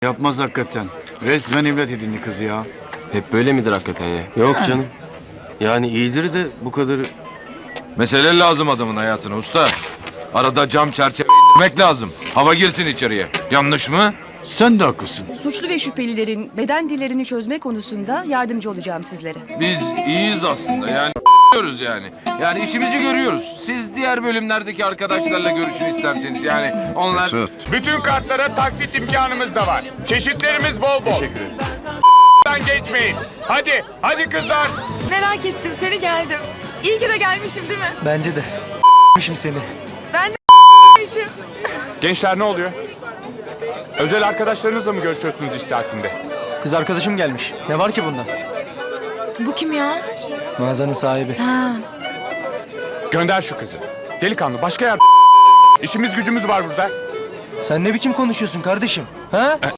Yapmaz hakikaten. Resmen evlat edindi kızı ya. Hep böyle midir hakikaten ya? Yok canım. Yani iyidir de bu kadarı... Mesele lazım adamın hayatına usta. Arada cam çerçeve indirmek lazım. Hava girsin içeriye. Yanlış mı? Sen de haklısın. Suçlu ve şüphelilerin beden dillerini çözme konusunda yardımcı olacağım sizlere. Biz iyiyiz aslında yani görüyoruz yani. Yani işimizi görüyoruz. Siz diğer bölümlerdeki arkadaşlarla görüşün isterseniz yani onlar... Bütün kartlara taksit imkanımız da var. Çeşitlerimiz bol bol. Teşekkür ederim. Geçmeyin. Hadi kızlar. Merak ettim seni geldim. İyi ki de gelmişim değil mi? Bence de seni. Ben de gelmişim. Gençler ne oluyor? Özel arkadaşlarınızla mı görüşüyorsunuz iş saatinde? Kız arkadaşım gelmiş. Ne var ki bunda? Bu kim ya? Mağazanın sahibi. Gönder şu kızı. Delikanlı başka yer... İşimiz gücümüz var burada. Sen ne biçim konuşuyorsun kardeşim? Ha?